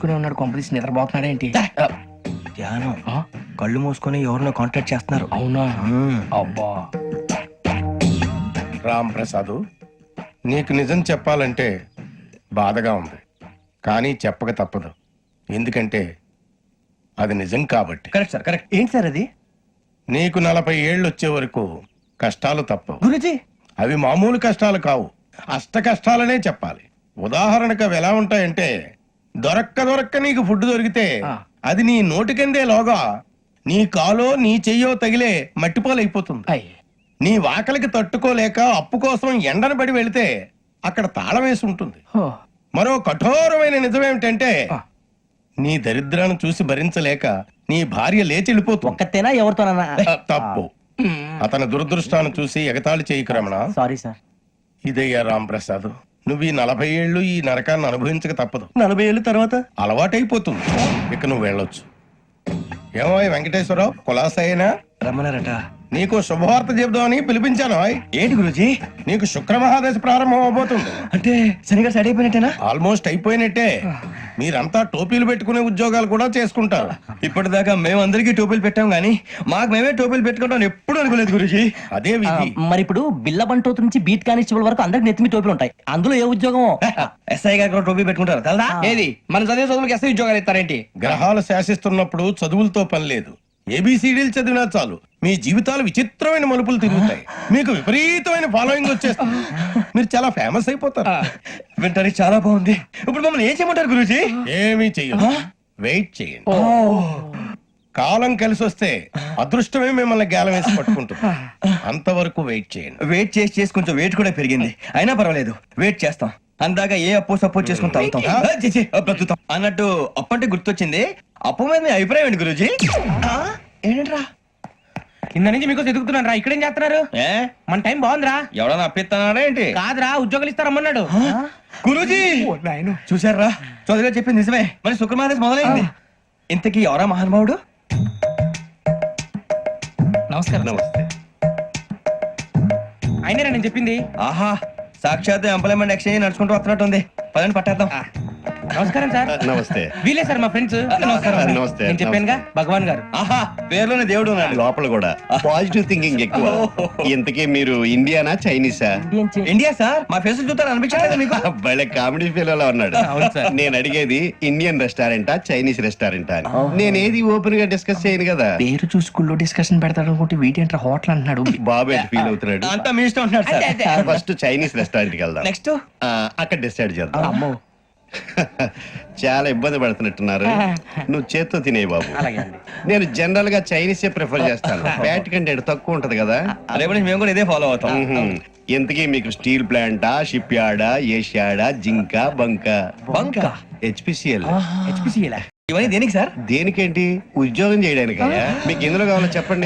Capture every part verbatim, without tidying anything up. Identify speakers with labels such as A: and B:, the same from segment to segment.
A: మూసుకునే ఉన్నాడు, కొంపదీసి నిద్రపోతున్నాడేంటి?
B: ధ్యానం. కళ్ళు మూసుకొని ఎవరినో కాంటాక్ట్ చేస్తున్నారు.
A: అవునా? అబ్బా.
C: రామ్ ప్రసాద్, నీకు నిజం చెప్పాలంటే బాధగా ఉంది, కానీ చెప్పక తప్పదు. ఎందుకంటే అది నిజం కాబట్టి.
B: Correct sir, correct. ఏంటి సార్ అది?
C: నీకు నలభై ఏళ్ళు వచ్చే వరకు కష్టాలు తప్పవు
B: గురుజీ.
C: అవి మామూలు కష్టాలు కావు, అష్ట కష్టాలనే చెప్పాలి. ఉదాహరణకు అవి ఎలా ఉంటాయంటే, దొరక్క దొరక్క నీకు ఫుడ్ దొరికితే అది నీ నోటికందే లోగా నీ కాలో నీ చెయ్యో తగిలే మట్టిపాలైపోతుంది. నీ వాకలికి తట్టుకోలేక అప్పు కోసం ఎండను పడి వెళితే అక్కడ తాళం వేసి ఉంటుంది. మరో కఠోరమైన నిజమేమిటంటే, నీ దరిద్రాన్ని చూసి భరించలేక నీ భార్య లేచి వెళ్ళిపోతుంది.
B: ఒక్కతేనా ఎవరితోనన్నా?
C: తప్పు. అతని దురదృష్టాన్ని చూసి ఎగతాళి చేయకు రమణ.
B: Sorry sir.
C: ఇదయ్యా రాంప్రసాద్, నువ్వు ఈ నలభై ఏళ్ళు ఈ నరకాన్ని అనుభవించక తప్పదు.
B: నలభై ఏళ్ళ తర్వాత
C: అలవాటైపోతుంది. ఇక నువ్వు వెళ్ళొచ్చు. ఏమో వెంకటేశ్వరరావు, కులాసైనా
B: రమ్మన్నారట.
C: నీకు శుభవార్త చెబుదామని పిలిపించాను.
B: ఏంటి గురుజీ?
C: నీకు శుక్ర మహాదశ ప్రారంభం అవబోతుంది.
B: అంటే శనిగా సెట్ అయిపోయినట్టేనా?
C: ఆల్మోస్ట్ అయిపోయినట్టే. మీరంతా టోపీలు పెట్టుకునే ఉద్యోగాలు కూడా చేసుకుంటారు.
B: ఇప్పటిదాకా మేమందరికీ టోపీలు పెట్టాం గానీ మాకు మేమే టోపీలు పెట్టుకుంటాం ఎప్పుడు అనుకోలేదు గురుజీ.
C: అదే విధి.
D: మరి ఇప్పుడు బిల్ల బంటోతు నుంచి బీట్ కానిస్టేబుల్ వరకు అందరికి నెత్తిమి టోపీలు ఉంటాయి. అందులో ఏ ఉద్యోగం?
B: ఎస్ఐ గారు కూడా టోపీ పెట్టుకుంటారు తెలదా?
A: ఏది మన చదివే చదువులకు ఎస్ఐ ఉద్యోగాలు ఇస్తారేంటి?
C: గ్రహాలు శాసిస్తున్నప్పుడు చదువులతో పని లేదు. ఏబిసిడీలు చదివినా చాలు మీ జీవితాలు విచిత్రమైన మలుపులు తిరుగుతాయి. మీకు విపరీతమైన ఫాలోయింగ్ వచ్చేస్తుంది. మీరు చాలా ఫేమస్ అయిపోతారు.
B: వింటానికి చాలా బాగుంది. ఇప్పుడు మమ్మల్ని ఏం చేయమంటారు గురూజీ?
C: ఏమీ చెయ్యదు, వెయిట్ చేయండి. కాలం కలిసి వస్తే అదృష్టమే మిమ్మల్ని గేలం వేసి పట్టుకుంటుంది. అంతవరకు వెయిట్ చేయండి.
B: వెయిట్ చేసి చేసి కొంచెం వెయిట్ కూడా పెరిగింది. అయినా పర్వాలేదు, వెయిట్ చేస్తాం. అందాక ఏ అప్పు సపోర్ట్ చేసుకుని తాగుతాం. ఆ, ఛీ, ఛీ, ఆ, బ్రతుకుతాం అన్నట్టు అప్పు అంటే గుర్తొచ్చింది. అప్పు మీద మీ అభిప్రాయం ఏంటి గురూజీ? ఏంటరా
A: కింద నుంచి మీకు ఎదుగుతున్నాను రా. ఇక్కడేం చేస్తున్నారు?
B: ఏ
A: మన టైం బాగుందిరా.
B: ఎవడన్నా అప్పిస్తున్నాడా ఏంటి?
A: కాదురా, ఉద్యోగాలు ఇస్తారమ్మన్నాడు.
B: గురూజీ చూసారా, చౌదరిగా చెప్పింది నిజమే. మరి శుక్రమాదేశ్ మొదలైంది. ఇంతకీ ఎవరా మహానుభావుడు?
A: నమస్కారం.
C: నమస్తే.
A: అయినరా నేను చెప్పింది?
B: ఆహా, సాక్షాత్ ఎంప్లాయ్మెంట్ ఎక్స్చేంజ్ నడుచుకుంటూ వస్తున్నట్టు ఉంది. పదండి పట్టేద్దాం.
A: నమస్కారం సార్.
E: నమస్తే.
A: వీలే సార్ మా ఫ్రెండ్స్. నమస్కారం.
E: నమస్తే.
A: నేను చెప్పానుగా భగవాన్ గారు.
B: ఆహా, పేర్లోనే దేవుడు ఉన్నాడు.
E: లోపల కూడా పాజిటివ్ థింకింగ్ ఎక్కువ. ఇంతకీ మీరు ఇండియానా చైనీసా?
B: India sir. మా ఫేస్ చూస్తారు అనిపించలేదు మీకు?
E: భలే కామెడీ ఫీల్ అలా ఉన్నాడు. నేను అడిగేది ఇండియన్ రెస్టారెంటా చైనీస్ రెస్టారెంటా అని. నేను ఏది ఓపెన్ గా డిస్కస్ చేయను కదా.
A: పేరు చూసుకుల్లో డిస్కషన్ పెడతాడు అనుకుంటే వీటేంట్రా హోటల్ అంటున్నాడు.
E: బాబు ఎట్ ఫీల్ అవుతున్నాడు.
B: అంతా మీ ఇష్టం ఉంటున్నారు సార్.
E: ఫస్ట్ చైనీస్ రెస్టారెంట్ కి వెళ్దాం.
B: నెక్స్ట్
E: అక్కడ డిసైడ్ చేద్దాం. చాలా ఇబ్బంది పడుతున్నట్టున్నారు. నువ్వు చేత్తో తినే బాబు. నేను జనరల్ గా చైనీసే ప్రిఫర్ చేస్తాను. ఫ్యాట్ కంటెంట్ తక్కువ ఉంటది కదా.
B: రేపు నుంచి మేము కూడా ఇదే ఫాలో అవుతాం.
E: ఇంతకీ మీకు స్టీల్ ప్లాంటా, షిప్ యార్డా, ఏషియాడా, జింక, బంక?
B: బంక.
E: హెచ్పిసిఎల్.
A: హెచ్పిసిఎల్
B: ఇవన్నీ దేనికి సార్?
E: దేనికేంటి? ఉద్యోగం చేయడానికి. మీకు ఎందులో కావాలో చెప్పండి.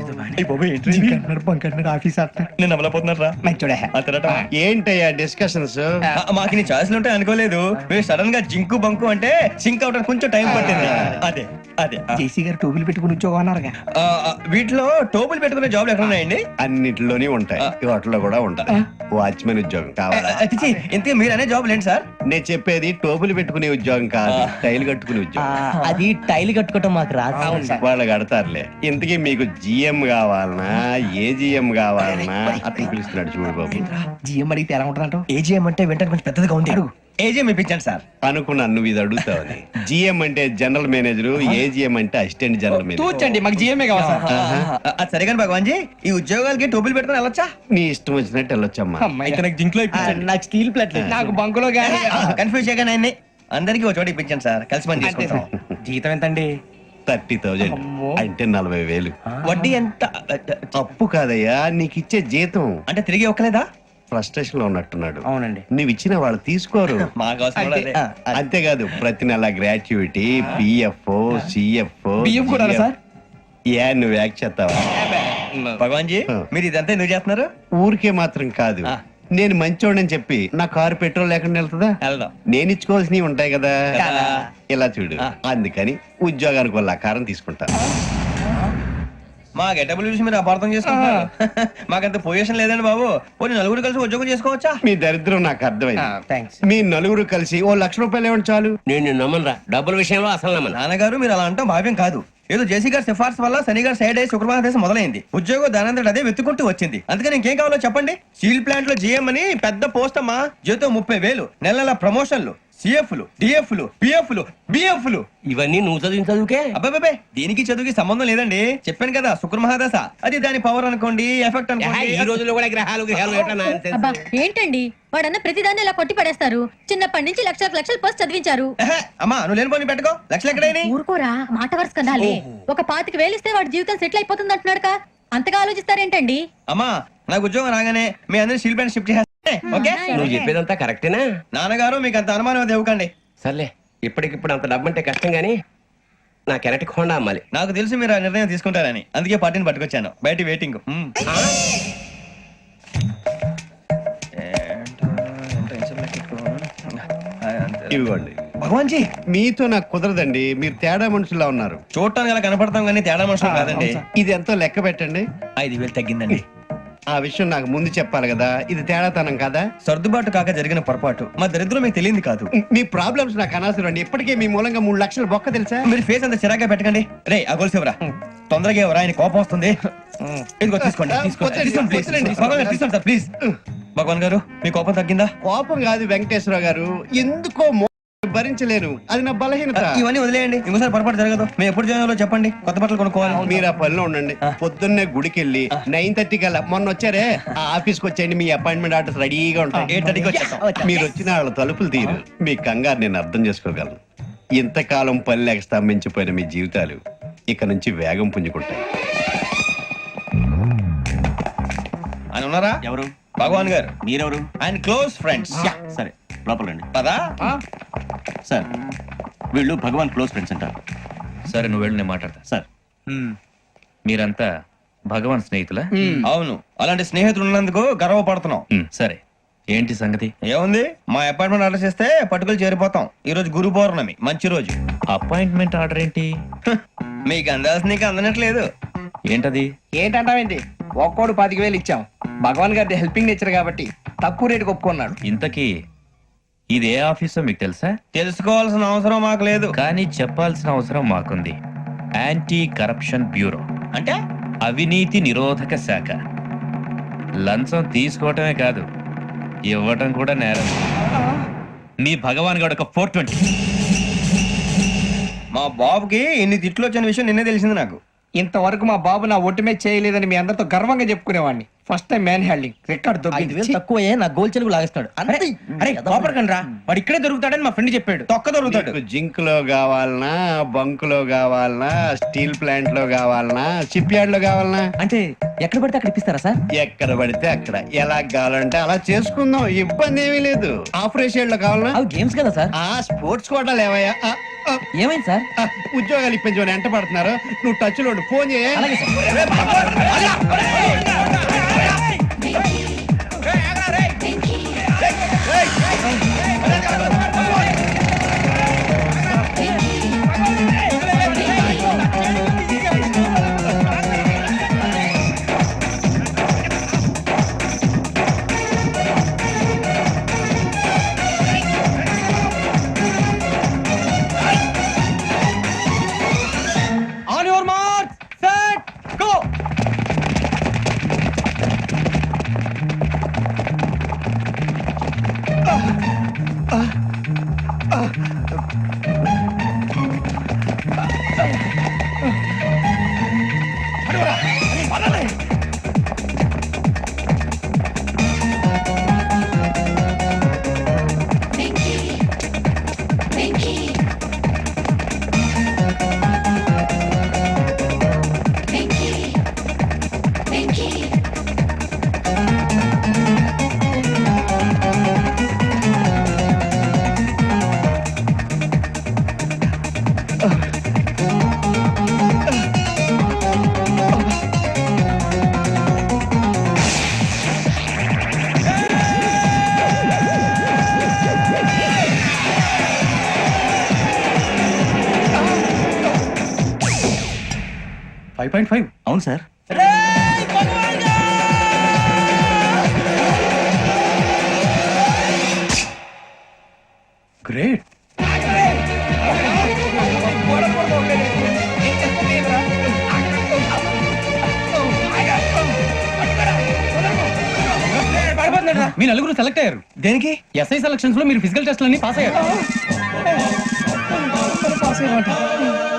B: నేను అమలపోతున్నారా?
E: ఏంటయ్యా డిస్కషన్స్?
B: మాకు నీ ఛాయిస్లు ఉంటాయి అనుకోలేదు. మీరు సడన్ గా జింకు బంకు అంటే సింక్ అవడానికి కొంచెం టైం పట్టింది. అదే అదే
A: జేసీ గారు టోపీలు పెట్టుకుని ఉద్యోగం అన్నారుగా.
B: ఆ, ఆ, వీటిలో టోపులు పెట్టుకునే జాబ్లు ఎక్కడ ఉన్నాయండి?
E: అన్నిటిలోనే ఉంటాయి, వాటిలో కూడా ఉంటాయి. వాచ్మెన్ ఉద్యోగం కావాలా?
B: అతిచి ఇంతకీ మీరు అనే జాబ్ ఏంటి సార్?
E: నేను చెప్పేది టోపులు పెట్టుకునే ఉద్యోగం కాదు, టైల్ కట్టుకునే ఉద్యోగం.
D: అది టైల్ కట్టుకోవటం మాకు రాదు.
E: వాళ్ళు కడతారులే. ఇంతకీ మీకు జిఎం కావాలనా, ఏ జిఎం కావాలనా? అతను పిలుస్తున్నాడు చూడు బాబు.
A: జిఎం అడిగితే ఎలా ఉంటుందంట?
B: ఏజీఎం అంటే వెంటనే కొంచెం పెద్దదిగా ఉంది. ఏజీఎం ఇప్పించండి సార్.
E: అనుకున్నాను నువ్వు ఇది అడుగుతావని. జిఎం అంటే జనరల్ మేనేజర్, ఏజిఎం అంటే అసిస్టెంట్ జనరల్ మేనేజర్.
A: తూచండి, మాకు జిఎంఏ కావాలి సార్.
B: అది సరే కానీ భగవాన్ జీ, ఈ ఉద్యోగాలకి టోపులు పెట్టుకుని వెళ్ళొచ్చా?
E: నీ ఇష్టం వచ్చినట్టు వెళ్ళొచ్చమ్మా.
B: అయితే నాకు జింక్ లో
D: నాకు స్టీల్ ప్లేట్,
A: నాకు బంకులో గానీ.
B: కన్ఫ్యూజ్ చేయగానే ఆయన్ని అందరికీ ఒక చోట ఇప్పించండి సార్. కలిసి పని చేసుకుంటాం.
A: జీతం ఎంతండి?
E: థర్టీ థౌజండ్ అంటే నలభై వేలు.
B: వడ్డీ ఎంత?
E: అప్పు కాదయ్యా, నీకు ఇచ్చే జీతం.
B: అంటే తిరిగి ఒక్కలేదా?
E: ఫ్రస్ట్రేషన్ లో ఉన్నట్టున్నాడు.
A: అవునండి.
E: నువ్వు ఇచ్చిన వాళ్ళు తీసుకోరు.
B: మాకు అవసరం కూడా అదే.
E: అంతేకాదు ప్రతి నెల గ్రాట్యుటీ, పిఎఫ్, సిఎఫ్.
A: బియ్యం కూడా సార్?
E: ఏ నువ్వు యాక్ట్ చేస్తావా?
B: భగవాన్ జీ, మీరు ఇదంతా ఎందుకు చేస్తున్నారు?
E: ఊరికే మాత్రం కాదు, నేను మంచోడని చెప్పి నా కారు పెట్రోల్ లేకుండా వెళ్తుందా?
B: వెళ్దాం.
E: నేను ఇచ్చుకోవాల్సినవి ఉంటాయి కదా.
B: కదా.
E: ఇలా చూడు, అందుకని ఉద్యోగానికి వాళ్ళ ఆకారం తీసుకుంటా.
B: మా గెటబుల్ చూసి మీరు అపార్థం చేసుకుంటున్నారు. మాకంత పొజిషన్ లేదండి బాబు. పోనీ నలుగురు కలిసి ఉద్యోగం చేసుకోవచ్చా?
E: మీ దరిద్రం నాకు అర్థమైంది.
A: థ్యాంక్స్.
E: మీ నలుగురు కలిసి ఓ లక్ష రూపాయలు ఇవ్వండి చాలు.
F: నేను నమ్మనరా డబ్బుల విషయంలో అసలు నమ్మను.
B: నాన్నగారు మీరు అలా అంటాం భావ్యం కాదు. ఏదో జేసీ గారి సిఫార్సు వల్ల శని గారు సైడ్ అయ్యి శుక్రవారం దేశం మొదలైంది. ఉద్యోగం దానంతటి అదే వెతుకుంటూ వచ్చింది. అందుకని ఇంకేం కావాలో చెప్పండి. స్టీల్ ప్లాంట్ లో జీఎం అని పెద్ద పోస్ట్ అమ్మా. జీతం ముప్పై వేలు, నెల నెల ప్రమోషన్లు, సిఎఫ్లు, డిఎఫ్లు, పిఎఫ్లు, బిఎఫ్లు.
F: ఇవన్నీ నువ్వు చదివిన చదువుకే.
B: అబ్బాబే దీనికి చదువుకి సంబంధం లేదండి. చెప్పాను కదా శుక్ర మహాదశ. అది దాని పవర్ అనుకోండి, ఎఫెక్ట్
F: ఏహే, ఈ
B: అనుకోండి.
F: రోజుల్లో కూడా గ్రహాలు గ్రహాలు ఏటా nonsense?
G: అబ్బా ఏంటండి వాడన్న ప్రతిదాన్ని ఇలా కొట్టి పడేస్తారు. చిన్నప్పటి నుంచి లక్షలకు లక్షలు పోస్ట్ చదివించారు.
B: ఏహే, అమ్మా నువ్వు లేని పోనీ పెట్టుకో. లక్షలు ఎక్కడైనా
G: ఊరుకోరా మాట వరుస కదాలే. ఒక పాతికి వేలిస్తే వాడి జీవితం సెటిల్ అయిపోతుంది అంటున్నాడు. అంతగా ఆలోచిస్తారేంటండి?
B: అమ్మా నాకు ఉద్యోగం రాగానే మీ అందరూ స్టీల్ ప్లాంట్ షిఫ్ట్ చేస్తే ఓకే.
F: నువ్వు చెప్పేదంతా కరెక్టేనా?
B: నాన్నగారు మీకు అంత అనుమానం అది ఇవ్వకండి.
F: సర్లే, ఇప్పటికిప్పుడు అంత డబ్బు అంటే కష్టం గానీ నా కెనటిక్ హోండా అమ్మాలి.
B: నాకు తెలుసు మీరు ఆ నిర్ణయం తీసుకుంటారని, అందుకే పార్టీని పట్టుకొచ్చాను. బయట వెయిటింగ్. మ్మ్.
E: ఇవ్వండి.
B: భగవాన్ జీ
E: మీతో నాకు కుదరదండి. మీరు తేడా మనుషుల్లా ఉన్నారు.
B: చూడటానికి అలా కనపడతాం కానీ తేడా మనుషులు కాదండి.
E: ఇది ఎంతో లెక్క పెట్టండి.
B: ఐదు వేలు తగ్గిందండి.
E: ఆ విషయం నాకు ముందు చెప్పాలి కదా. ఇది తేడాతనం కదా.
B: సర్దుబాటు కాక జరిగిన పొరపాటు. మా దరిద్రం మీకు తెలియదు కాదు.
E: మీ ప్రాబ్లమ్స్ నాకు అనవసరం అండి. ఇప్పటికే మీ మూలంగా మూడు లక్షలు బొక్క తెలుసా.
B: మీరు ఫేస్ అంత చిరాగ్గా పెట్టకండి. రే ఆ గొలుసు ఎవరా? తొందరగా ఎవరా? ఆయన కోపం వస్తుంది. ఇదిగో తీసుకోండి. తీసుకోండి.
E: వద్దండి,
B: తీసుకోండి, please.
E: వద్దండి.
B: భగవాన్ గారు తీసుకోండి సార్ ప్లీజ్. భగవాన్ గారు మీ కోపం తగ్గిందా?
E: కోపం కాదు వెంకటేశ్వర గారు, ఎందుకో మో- భరించలేను. అది నా బలహీనత.
B: ఇవన్నీ వదిలేయండి. ఇంకోసారి పొరపాటు జరగదు. మేము ఎప్పుడు జాయిన్ అవ్వాలో చెప్పండి. కొత్త బట్టలు కొనుక్కోవాలి.
E: మీరు ఆ పనిలో ఉండండి. పొద్దున్నే గుడికి వెళ్ళి నైన్ థర్టీ కల్లా మొన్న వచ్చారే ఆ ఆఫీస్కి వచ్చేయండి. మీ అపాయింట్మెంట్ ఆర్డర్స్ రెడీగా ఉంటాయి.
B: ఎయిట్ థర్టీకి వచ్చేస్తాం.
E: మీరు వచ్చిన వాళ్ళ తలుపులు తీరు. మీ కంగారు నేను అర్థం చేసుకోగలను. ఇంతకాలం పని లేక స్తంభించిపోయిన మీ జీవితాలు ఇక నుంచి వేగం పుంజుకుంటాయి.
B: ఆయన ఉన్నారా?
H: ఎవరు?
B: భగవాన్ గారు.
H: మీరెవరు?
B: ఆయన క్లోజ్ ఫ్రెండ్స్.
H: సరే లోపల రండి.
B: పదా?
H: సార్ వీళ్ళు భగవాన్ క్లోజ్ ఫ్రెండ్స్ అంటారు.
I: సరే నువ్వు వెళ్ళి నేను మాట్లాడతా.
H: సార్
I: మీరంతా భగవాన్ స్నేహితులా?
B: అవును. అలాంటి స్నేహితులు ఉన్నందుకు గర్వపడుతున్నాం.
I: మ్, సరే ఏంటి సంగతి?
B: ఏముంది, మా అపాయింట్మెంట్ ఆర్డర్ చేస్తే పట్టుకులు చేరిపోతాం. ఈ రోజు గురు పౌర్ణమి, మంచి రోజు.
I: అపాయింట్మెంట్ ఆర్డర్ ఏంటి?
B: హ, మీకు అందాల్సిన నీకు అందనట్లేదు.
I: ఏంటది?
A: ఏంటంటావేంటి? ఒక్కోడు పాతిక వేలు ఇచ్చాం. భగవాన్ గారి హెల్పింగ్ నేచర్ కాబట్టి తక్కువ రేటుకి ఒప్పుకున్నాడు.
I: ఇంతకీ ఇది ఏ ఆఫీసో మీకు తెలుసా?
B: తెలుసుకోవాల్సిన అవసరం మాకు లేదు.
I: కానీ చెప్పాల్సిన అవసరం మాకుంది. యాంటీ కరప్షన్ బ్యూరో
B: అంటే
I: అవినీతి నిరోధక శాఖ. లంచం తీసుకోవటమే కాదు, ఇవ్వటం కూడా నేరం. మీ భగవాన్ గారు ఒక ఫోర్ ట్వంటీ.
B: మా బాబుకి ఇన్ని తిట్లు వచ్చిన విషయం నిన్నే తెలిసింది నాకు.
A: ఇంతవరకు మా బాబు నా ఒట్టుమే చేయలేదని మీ అందరితో గర్వంగా చెప్పుకునేవాడిని. First time man handing record
D: ఐదు వేలు
A: దొబ్బింది.
D: తక్కువ నా గోల్ చెలుగు లాగేస్తాడు. అంతే.
A: అరే కోపడకండి రా, వాడు ఇక్కడే దొరుకుతాడని మా ఫ్రెండ్ చెప్పాడు.
B: తొక్క దొరుకుతాడు.
E: మీకు జింక్ లో కావాలనా, బంక్ లో కావాలనా, స్టీల్ ప్లాంట్ లో కావాలనా, షిప్ యార్డ్ లో కావాలనా?
D: అంటే ఎక్కడ పడితే అక్కడ ఇప్పిస్తారా సార్?
E: ఎక్కడ పడితే అక్కడ ఎలా కావాలంటే అలా చేసుకుందాం. ఇబ్బంది ఏమీ లేదు. ఆపరేషన్ లో కావాలనా?
D: అవి గేమ్స్ కదా సార్.
E: ఆ స్పోర్ట్స్ కోటా లేవయ్యా. ఆ, ఆ,
D: ఏమైంది సార్?
E: ఆ, ఉద్యోగాలు ఇప్పించమని ఎంట పడుతున్నారు. నువ్వు టచ్ లో ఉండు. ఫోన్ చేయ.
D: అలాగే sir.
B: On your mark set go.
H: Five point five అవును సార్.
C: గ్రేట్.
H: మీ నలుగురు సెలెక్ట్ అయ్యారు.
B: దేనికి?
H: ఎస్ఐ సెలక్షన్స్ లో మీరు ఫిజికల్ టెస్ట్ అన్ని పాస్ అయ్యారు.